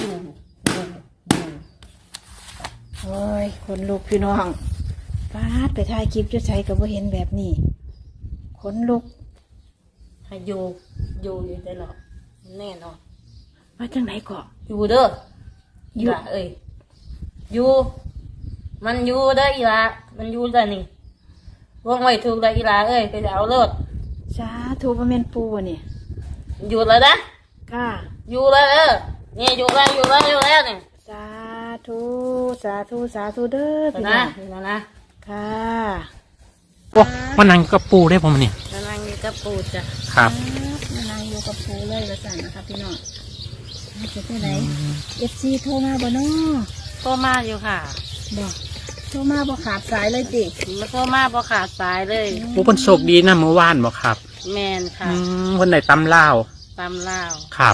โอ้ยคนลุกพี่น้องฟาดไปถ่ายคลิปจะใช้กับว่าเห็นแบบนี้คนลุกให้อยู่อยู่ได้หรอแน่นอนมาจังไหนก่ออยู่เด้ออีหละเอ้ยอยู่มันอยู่เด้ออีหละมันอยู่ได้นี่วงไว้ถูกได้อีหละเอ้ยก็จะเอาเลิศสาธุพระเมนปูวะนี่อยู่แล้วนะก้าอยู่แล้วนี่อยู่แล้วนี่สาธุสาธุสาธุเด้อพี่น้องนะค่ะโอ้มานั่งกับปูได้ผมนี่นั่งอยู่กับปูจ้ะครับมานั่งอยู่กับปูเลยละจันนะครับพี่น้องจะไปไหนFCโทรมาบ่น้อโทรมาอยู่ค่ะบอกโทรมาบ่ขาดสายเลยจิมาโทรมาบ่ขาดสายเลยโอ้คนโชคดีนะเมื่อวานบอกครับแมนค่ะคนไหนตำเล่าครับ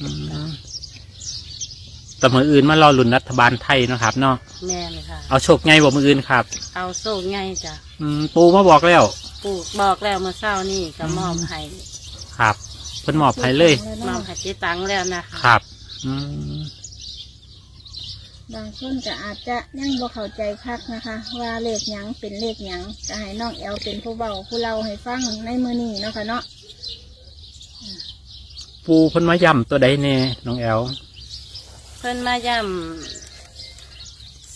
แต่มืออื่นมารอลุ้นรัฐบาลไทยนะครับเนาะแมนค่ะเอาโชคไงบอกมืออื่นครับเอาโชคไงจ้ะปูมาบอกแล้วปูบอกแล้วเมื่อเช้านี่ก็มอบให้ครับเพิ่นมอบให้เลยมอบให้เจ๊ตังแล้วนะครับบางคนก็อาจจะยังบ่เข้าใจคักนะคะว่าเลขหยังเป็นเลขหยังจะให้น้องแอลเป็นผู้เบาผู้เล่าให้ฟังในมือนี้เนาะค่ะเนาะปูเพิ่นมาย่ำตัวใดแน่น้องแอลเพิ่นมาย่ำ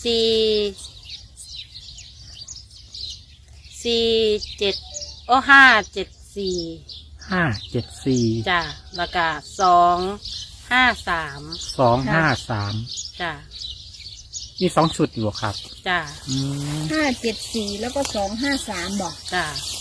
574จ้ะแล้วก็253จ้ะมี2 ชุดอยู่ครับจ้ะ 574แล้วก็253บอกจ้ะ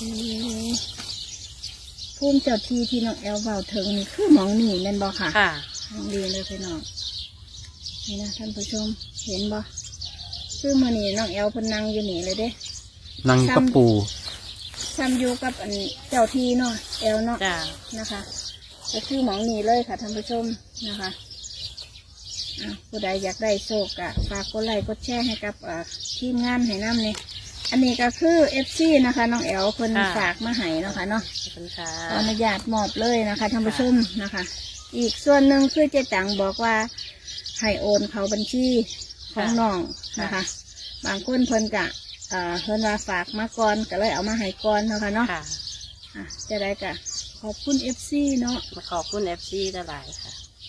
ภูมิเจ้าที่น้องแอลเบาถึงนี่คือหมองนี่แม่นบ่ค่ะค่ะดีเลยพี่น้องนี่นะท่านผู้ชมเห็นบ่คือมื้อนี้น้องแอลเพิ่นนั่งอยู่นี่เลยเด้นั่งกับปูซ้ำอยู่กับอันเจ้าที่เนาะแอลเนาะนะคะก็คือหมองนี่เลยค่ะท่านผู้ชมนะคะผู้ใดอยากได้โชคอะฝากกดไลค์กดแชร์ให้กับทีมงานให้น้ำนี่อันนี้ก็คือ FC นะคะน้องแอลเพิ่นฝากมาให้เนาะค่ะเนาะขออนุญาตมอบเลยนะคะท่านผู้ชมนะคะอีกส่วนหนึ่งคือเจ๊ตังบอกว่าให้โอนเขาบัญชีของน้องนะคะบางคนเพิ่นกะเพิ่นว่าฝากมาก่อนก็เลยเอามาให้ก่อนเนาะค่ะเนาะจะได้กะขอบคุณ FC เนาะขอบคุณ FC หลายค่ะ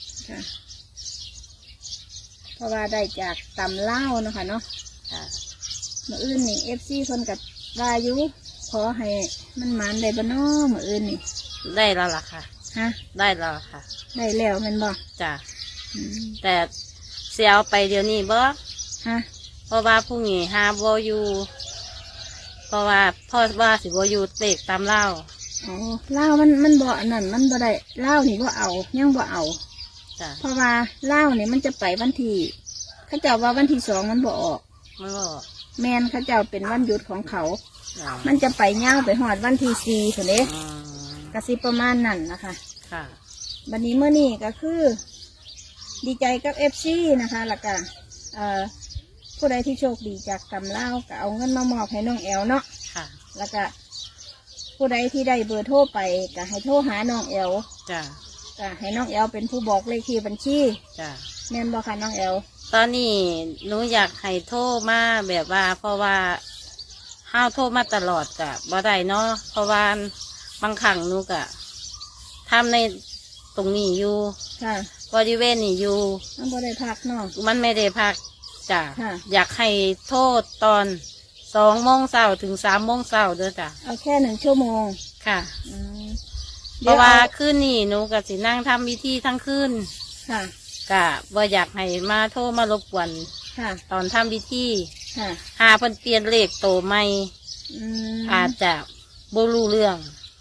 เพราะว่าได้จากตำเล่าเนาะค่ะเนาะเมื่ออื่นนี่FC เพิ่นกับวายุขอให้มันหมานได้บ่น้อเมื่ออื่นนี่ได้แล้วล่ะค่ะได้แล้วค่ะได้แล้วมันบ่จ้ะแต่เสียเอาไปเดี๋ยวนี้บ่เพราะว่าพรุ่งนี้หาบ่อยู่เพราะว่าพ่อว่าสิบ่อยู่เตกตามเล่าเล่ามันบ่อันนั้นมันบ่ได้เล่านี่บ่เอายังบ่เอาจ้ะเพราะว่าเล่านี่มันจะไปวันที่เขาเจ้าว่าวันที่2มันบ่ออกแมนเขาเจ้าเป็นวันหยุดของเขามันจะไปเง่าไปหอดวันที่4เถอะเด้กระซิบประมาณนั้นนะคะวันนี้เมื่อนี้ก็คือดีใจกับFCนะคะแล้วก็ผู้ใดที่โชคดีจากตำเล่าก็เอาเงินมามอบให้น้องแอลเนาะแล้วก็ผู้ใดที่ได้เบอร์โทรไปก็ให้โทรหาน้องแอลก็ให้น้องแอลเป็นผู้บอกเลขที่บัญชีแม่นบอกค่ะน้องแอลตอนนี้หนูอยากให้โทรมาแบบว่าเพราะว่าห้าวโทรมาตลอดกะบ่ได้เนาะเพราะว่าบางครั้งหนูกะทำในตรงนี้อยู่บริเวณนี้อยู่มันไม่ได้พักเนาะมันไม่ได้พักจ้ะอยากให้โทษตอน2 โมงเช้าถึง3 โมงเช้าเด้อจ้ะเอาแค่1 ชั่วโมงค่ะเพราะว่าคืนนี้หนูก็สินั่งทำพิธีทั้งคืนกะบ่อยากให้มาโทรมารบกวนตอนทำพิธีหาเพิ่นเปลี่ยนเลขโตใหม่อาจจะบ่รู้เรื่อง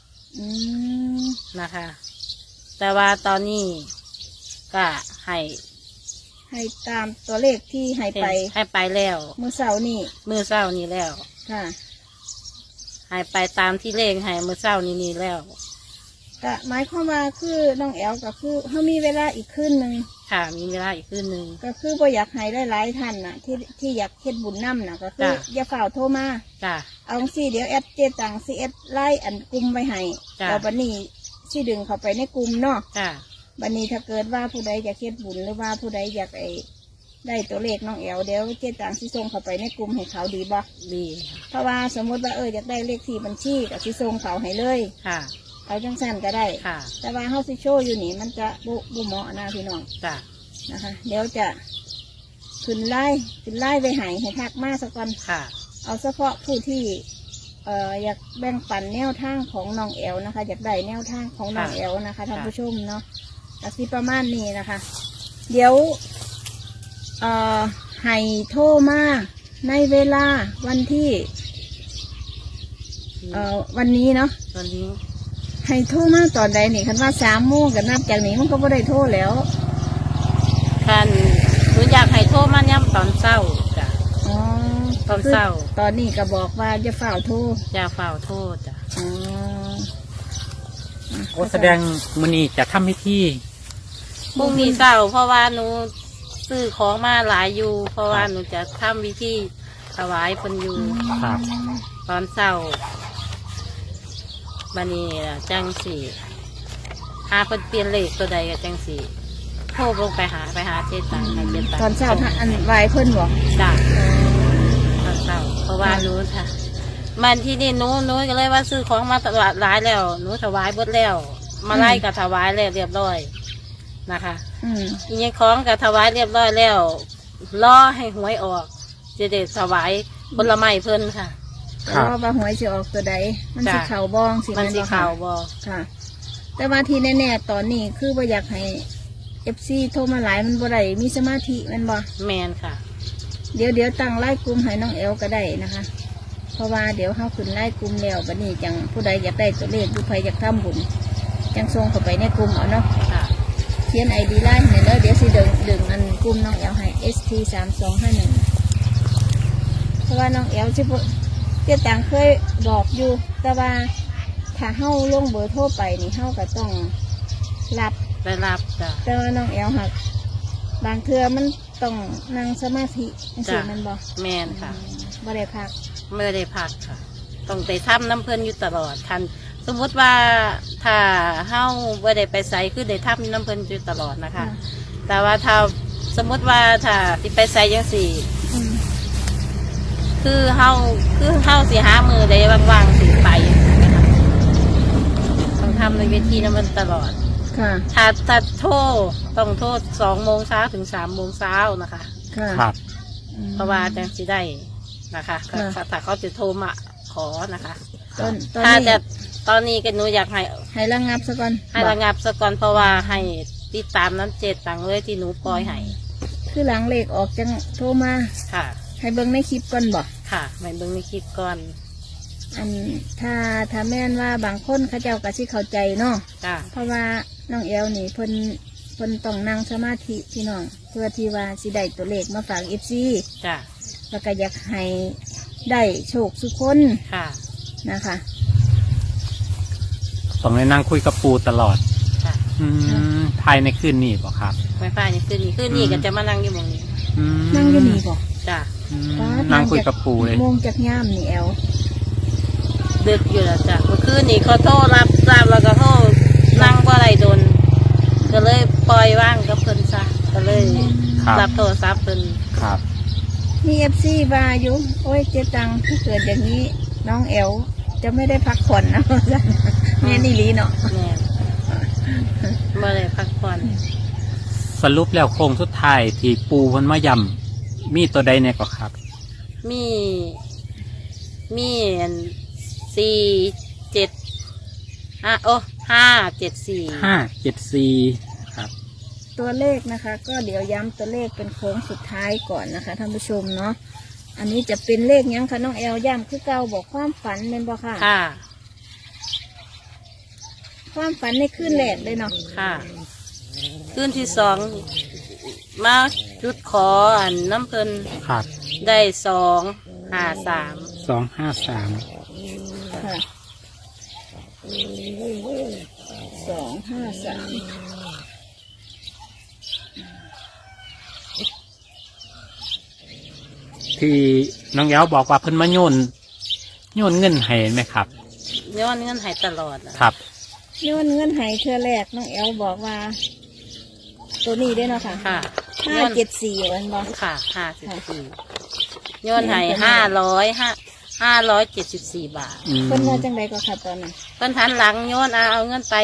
นะคะแต่ว่าตอนนี้ก็ให้ตามตัวเลขที่ให้ไปแล้วมื้อเช้านี่แล้วให้ไปตามที่เลขให้มื้อเช้านี้แล้วก็หมายความว่าคือน้องแอลก็คือเขามีเวลาอีกคืนหนึ่งค่ะมีเวลาอีกคืนหนึ่งก็คือบ่อยากให้หลายท่านน่ะที่อยากเฮ็ดบุญนำน่ะก็คืออย่าฝ่าโทรมาเอาสิเดี๋ยวแอดเจตังสิแอดไล่อันกลุ่มไว้ให้แล้วบัดนี้สิดึงเข้าไปในกลุ่มเนาะบัดนี้ถ้าเกิดว่าผู้ใดอยากเฮ็ดบุญหรือว่าผู้ใดอยากได้ตัวเลขน้องแอลเดี๋ยวเจ๊ตังสิส่งเข้าไปในกลุ่มให้เขาดีบ่ดีเพราะว่าสมมติว่าอยากได้เลขที่บัญชีกับสิส่งเขาให้เลยค่ะเอาจังสั้นก็ได้ค่ะแต่ว่าเฮาสิโชว์อยู่นี่มันจะบุเหมาะนะพี่น้องจ้ะนะคะ เดี๋ยวจะขึ้นไล่ไปให้ทักมาสักก่อนค่ะเอาเฉพาะผู้ที่อยากแบ่งปันแนวทางของน้องแอลนะคะ อยากได้แนวทางของน้องแอลนะคะท่านผู้ชมเนาะก็สิประมาณนี้นะคะ เดี๋ยวให้โทรมาในเวลาวันที่วันนี้เนาะตอนนี้ให้โทรมาตอนใดนี่คันว่า3 โมงกับนับจากนี้มันก็ไม่ได้โทรแล้วคันหนูอยากให้โทรมาย่ำตอนเช้าจ้ะอ๋อตอนเช้าตอนนี้ก็บอกว่าจะฝ่าวโทรจะเฝ้าโทษจ้ะอ๋อโอ้แสดงมื้อนี้จะทำพิธีพรุ่งนี้เช้าเพราะว่าหนูซื้อของมาหลายอยู่ เพราะว่าหนูจะทำวิธีถวายเพิ่นอยู่ครับตอนเช้าบันนี้จังสี่หาเพิ่นเปลี่ยนเลขตัวใดก็จังสี่โทรลงไปหาเจ๊ตังให้เจ๊ตังตอนเช้าท่านอันไหวเพิ่นบอกจ้ะตอนเช้าเพราะว่าหนูค่ะ มันที่นี่หนูก็เลยว่าซื้อของมาตลาดหลายแล้วหนูถวายเบิดแล้ว มาไล่กับถวายแล้วเรียบร้อยนะคะ อีกอย่างของกับถวายเรียบร้อยแล้วรอให้หวยออกจะได้ถวายผลไม้เพิ่นค่ะแต่ว่าว่าหวยจะออกตัวใดมันสิจ้ะเข่าบ้องสิมันสีบ่ขาวบอค่ะ แต่ว่าที่แน่ๆตอนนี้คือว่าอยากให้FC โทรมาหลายมันบ่ได้มีสมาธิแมันบ่แมนค่ะเดี๋ยวตั้งไล่กลุ่มให้น้องแอลก็ได้นะคะ เพราะว่าเดี๋ยวเขาขึ้นไล่กลุ่มแล้วบัดนี้จังผู้ใดอยากได้ตัวเลขผู้ใครอยากทำบุญจังส่งเข้าไปในกลุ่มเอาเนาะค่ะเขียนID ไล่ให้เด้อเดี๋ยวสิดึงอันกลุ่มน้องแอลให้ ST3251เพราะว่าน้องแอลสิบ่เจ้าต่างเคยบอกอยู่ แต่ว่าถ้าเฮาลงเบอร์โทรไปนี่เฮาก็ต้องรับได้รับจ้ะแต่ว่าน้องแอลหักบางเทื่อมันต้องนั่งสมาธิจังซี่จ้ะแมันบ่แมนค่ะบ่ได้พักไม่ได้พักค่ะต้องไปทำน้ำเพิ่นอยู่ตลอดทันสมมติว่าถ้าเฮาไม่ได้ไปใส่คือได้ทำน้ำเพิ่นอยู่ตลอดนะคะ แต่ว่าถ้าสมมติว่าถ้าที่ไปใส่ยังสี่อืมคือเฮาสิหามือได้ว่างๆสิไปนะคะต้องทำในเวทีนั้นมันตลอดค่ะถ้าโทษต้องโทษ2 โมงเช้าถึง3 โมงเช้านะคะค่ะครับเพราะว่าจังสิได้นะคะค่ะถ้าเขาจะโทรมาขอนะคะตอนถ้านี้จะตอนนี้ก็หนูอยากให้ให้ระงับซะก่อนให้ระงับซะก่อนเพราะว่าให้ติดตามน้ำเจ็ดตังเลยที่หนูปล่อยให้คือหลังเลขออกจังโทรมาค่ะให้เบิ่งในคลิปก่อนบ่ค่ะไม่เบิ่งในคลิปก่อนอันถ้าแม่นว่าบางคนเขาเจ้าก็สิเข้าใจเนาะจ้ะเพราะว่าน้องแอลนี่เพิ่นต้องนั่งสมาธิพี่น้องเพื่อที่ว่าสิได้ตัวเลขมาฝาก FC จ้ะแล้วก็อยากให้ได้โชคสุกคนค่ะนะคะต้องได้นั่งคุยกับปูตลอดค่ะภายในคืนนี้บ่ครับไม่ฟ้านี่คืนนี้ก็จะมานั่งอยู่หมองนี้นั่งอยู่นี่บ่จ้ะอืมนั่งคุยกับปูเลยโมงจากย่ามนี่แอลดึกอยู่แล้วจ้ะเมื่อคืนนี่เขาโทรรับแล้วก็โทรนั่งว่าอะไรโดน ก็เลยปล่อยว่างกับเพิ่นซะก็เลยครับรับโทรศัพท์เพิ่นครับมี FC บาอยู่โอ้ยเจ๊ตังถ้าเกิดอย่างนี้น้องแอลจะไม่ได้พักผ่อนนะ แม่นี่ลีเนาะแม่บ่ได้พักผ่อนสรุปแล้วโค้งสุดท้ายที่ปูเพิ่นมายำมีตัวใดเนี่ยก็ครับมี 574ครับตัวเลขนะคะ ก็เดี๋ยวย้ำตัวเลขเป็นโค้งสุดท้ายก่อนนะคะท่านผู้ชมเนาะอันนี้จะเป็นเลขยังคะน้องแอลย้ำคือเก่าบอกความฝันเป็นบ่ค่ะค่ะความฝันในคืนแรกเลยเนาะค่ะคืนที่ 2มาจุดขออันน้ำเพิ่นครับได้253 253 ค่ะ253 ที่น้องแย้วบอกว่าเพิ่นมาโยนเงินให้ไหมครับย้อนเงินใหายตลอดอะครับโยนเงินให้เธอแรกน้องแอลบอกว่าตัวนี้ด้วยเนาะค่ะค่ะ 574วันบ่ค่ะ54โยนให้574 บาทเพิ่นว่าจังไดก็ค่ะตอนนั้นเพิ่นทันหลังโยนเอาเงินไป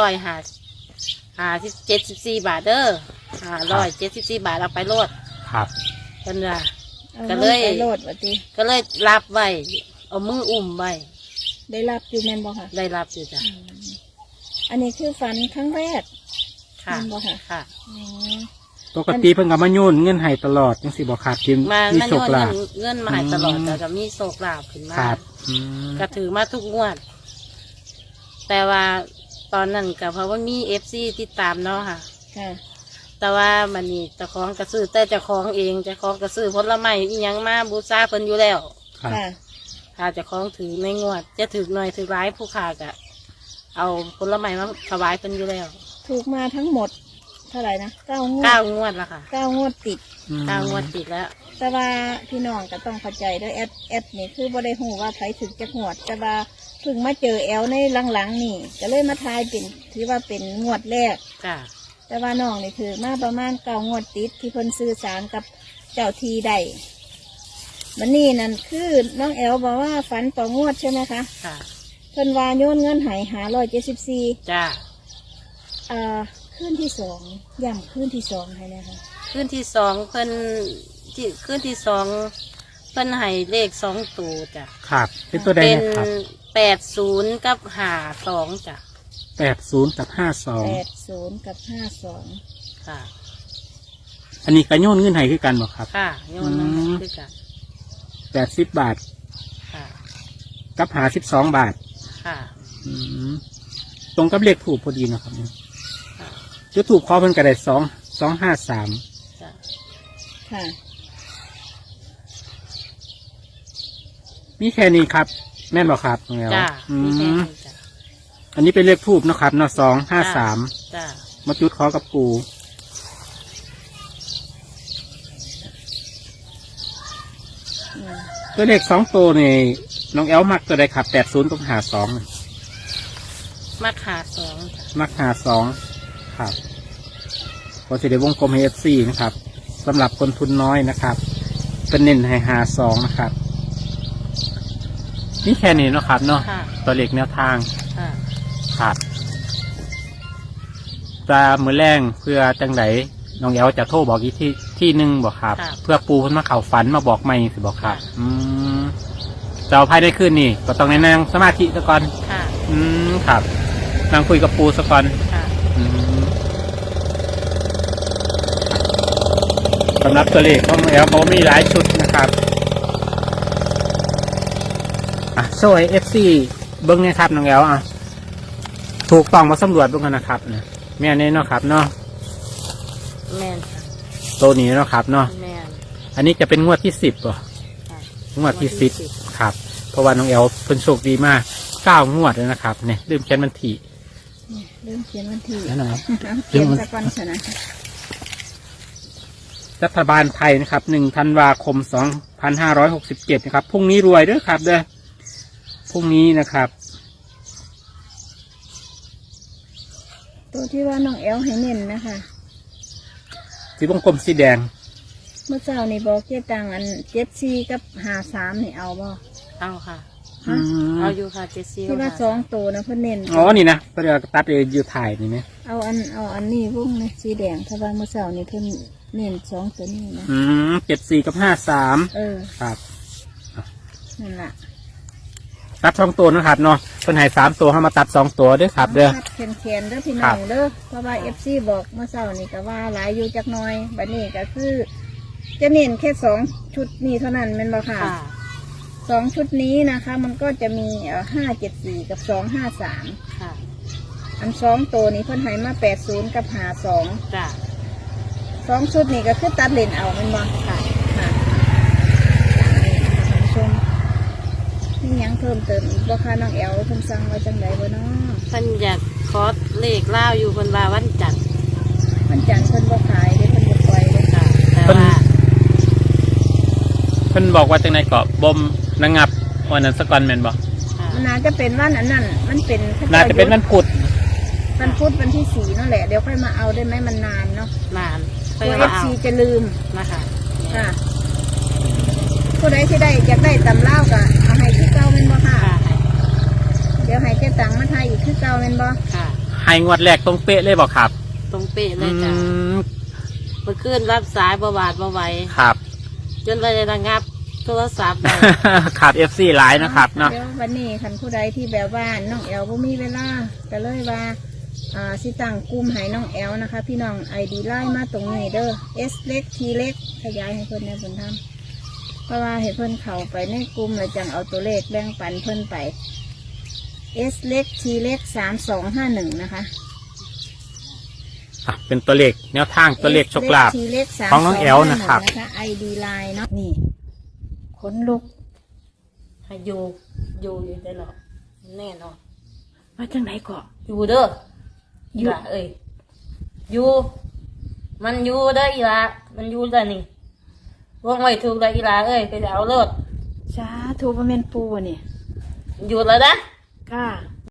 574 บาทเด้อ574 บาทเอาไปโลดครับเพิ่นว่าอาก็เลยไปโลดว่าติก็เลยรับไว้เอามืออุ้มไว้ได้รับอยู่แม่นบ่ค่ะได้รับอยู่จ้ะอันนี้คือฝันครั้งแรกค่ะแม่นบ่ค่ะค่ะอ๋อปกติเพิ่นก็มาโยนเงินให้ตลอดจังสิบ่ขาดทิมมามีมาโชโยคน ลาภเงินมาให้ตลอดแต่ก็มีโศกลาภขึ้นมาครับก็ถือมาทุกงวด แต่ว่าตอนนั้นก็เพราะว่ามีFC ติดตามเนาะค่ะค่ะแต่ว่ามันนี่เจ้าของกระซื้อแต่เจ้าของเองเจ้าของกระซื้อผลไม้อีหยังมาบูชาเพิ่นอยู่แล้วครับค่ะถ้าเจ้าของถือในงวด จะถือหน่อยถือร้ายผู้ขากะเอาผลไม้มาถวายเพิ่นอยู่แล้วถูกมาทั้งหมดเท่าไหร่นะ9 งวด 9 งวดละค่ะ 9 งวดติด 9 งวดติดแล้วแต่ว่าพี่น้องก็ต้องเข้าใจด้วยแอดนี่คือบ่ได้หูว่าไผถึงจะหวด แต่ว่าเพิ่งมาเจอแอลในหลังๆนี่ก็เลยมาทายเป็นถือว่าเป็นงวดแรกจ้ะแต่ว่าน้องนี่ถือมาประมาณ9 งวดติดที่เพิ่นสื่อสารกับเจ้าทีได้มันนี่นั่นคือน้องแอลบอกว่าฝันต่องวดใช่ไหมคะค่ะเพิ่นว่าโยนเงินใหาย574 จ้ะขึ้นที่2ย่ำขึ้นที่2ให้นะคะขึ้นที่สองเพิ่นที่ขึ้นที่สองเพิ่นให้เลข2 ตัวจ้ะครับเป็นตัวใดเป็นเนี่ยครับ 80 กับ52จ้ะ 80 กับ 80 กับ 52 ค่ะ 52อันนี้ก็โยนเงินให้คือกันบ่ครับค่ะโยนลงมาคือกัน 80 บาทค่ะกับ52 บาทค่ะอืมตรงกับเลขถูกพอดีนะครับเนี่ยค่ะจุดถูกพอเพิ่นก็ได้253 จ้ะค่ะมีแค่นี้ครับ แม่นบ่ครับน้องแอลจ้ะอืมีแค่มนี้จ้ะอันนี้เป็นเลขทูบเนาะครับเนาะ253 จ้ะมาจุดขอกับปู่อืมตัวเลข2 ตัวนี่น้องแอลมักตัวใดครับ80 กับ52 มาขา2จ้ะมัก52ครับพอสิได้วงกลมให้ FC นะครับสำหรับคนทุนน้อยนะครับเป็นเน้นให้52นะครับนี่แค่นี้เนาะครับเนาะค่ะตัวเลขแนวทางค่ะครับปลามือแรงเพื่อจังไดน้องแอลจะโทรบอกอีกที่หนึ่งบอกครับ เพื่อปูเพิ่นมาเข่าฝันมาบอกไม่สิบอกครับ จะเอาภายได้ขึ้นนี่ก็ต้องในนั่งสมาธิซะก่อนค่ะครับนั่งคุยกับปูซะก่อนค่ะสำหรับตัวเลขของน้องแอลเขามีหลายชุดนะครับโซ่เอฟซีเบิ้งเนี่ยครับน้องแอลถูกต้องมาสำรวจเบิ้งกันนะครับเนี่ยแม่นี่เนาะครับเนาะแม่นค่ะตัวนี้เนาะครับเนาะแม่นอันนี้จะเป็นงวดที่10ป่ะค่ะงวดที่10ครับ เพราะว่าน้องแอลเพิ่นโชคดีมาก9 งวดแล้วนะครับเนี่ยลืมเขียนวันที่นี่เริ่มเขียนวันที่นั่นนะเขียนสักวันชนะรัฐบาลไทยนะครับ1 ธันวาคม 2567นะครับพรุ่งนี้รวยเด้อครับเด้อพรุ่งนี้นะครับตัวที่ว่าน้องแอลให้เน้นนะคะสีวงกลมสีแดงเมื่อเช้านี่บอกเจ๊ตังอัน74กับ53นี่เอาบ่เอาค่ะฮะเอาอยู่ค่ะเจสซี่ที่ว่า2ตัวนะเพิ่นเน้นอ๋อนี่นะก็เดี๋ยวตัดอยู่ถ่ายนี่ไหมเอาอันนี้วงนะสีแดงเพราะว่าเมื่อเช้านี่เพิ่นเน้น2ตัวนี้นะ 74 กับ 53 ครับนั่นล่ะตัด2 ตัวนะครับเนาะเพิ่นให้3 ตัวให้มาตัด2 ตัวเด้อครับเด้อแขนๆเด้อพี่น้องเด้อเพราะว่า FC บอกเมื่อเช้านี่ก็ว่าหลายอยู่จักหน่อยบัดนี้ก็คือ จะเน้นแค่2 ชุดนี้เท่านั้นแม่นบ่ค่ะค่ะ 2 ชุดนี้นะคะ มันก็จะมี574กับ253 ค่ะอัน2 ตัวนี้เพิ่นให้มา80กับ52 จ้ะ 2 ชุดนี้ก็คือตัดเลนเอาแม่นบ่ค่ะค่ะท่านผู้ชมนี่ยังเพิ่มเติมอีกบ่คะน้องแอลเพิ่นสั่งไว้จังไดบ่เนาะเพิ่นอยากขอเลขเล่าอยู่เพิ่นว่าวันจันทร์มันจันทร์เพิ่นบ่ขายเด้เพิ่นบ่ปล่อยเด้ค่ะ แต่ว่าเพิ่นบอกว่าจังไดเกาะบ่มระงับวันนั้นสกอนแม่นบ่ค่ะมันน่าจะเป็นวันอันนั้นมันเป็นน่าจะเป็นวันพุธวันพุธวันที่4นั่นแหละเดี๋ยวค่อยมาเอาได้ไหมมันนานเนาะนานตัว FC จะลืมนะคะค่ะผู้ใดที่ได้อยากได้ตำเล่าวก็เอาให้ที่เก่าเป็นบ่ค่ะ เดี๋ยวให้เจ๊ตังมาทายอีกที่เก่าเป็นบ่ค่ะให้งวดแรกตรงเป๊ะเลยบอกครับตรงเป๊ะเลยจ้ะเมื่อคืนรับสายประวัติมาไหวครับจนไประงับโทรศัพท์ขาด FC หลายนะครับเนาะเดี๋ยววันนี้คันผู้ใดที่แบบว่าน้องแอลบ่มีเวลาก็เลยว่าสิตั้งกลุ่มให้น้องแอลนะคะ พี่น้อง ID ไล่มาตรงนี้เด้อ S เล็ก T เล็กขยายให้เพิ่นในผลทำเพราะว่าให้เพิ่นเข้าไปในกลุ่มแล้วจังเอาตัวเลขแบ่งปันเพิ่นไป S เล็ก T เล็ก3251นะคะเป็นตัวเลขแนวทางตัวเลขโชคลาภ S เล็กของน้องแอลนะครับ ID ไลน์เนาะนี่ขนลุกให้อยู่ได้หรอแน่นอนมาจังไหนก่อนอยู่เด้ออีละเอ้ยอยู่มันอยู่เด้ออีละมันอยู่เด้อนี่วงไว้ถูกเลยอีละเอ้ยไปเอารถสาธุบ่แม่นปูบ่เนี่ยอยู่แล้วนะค่ะ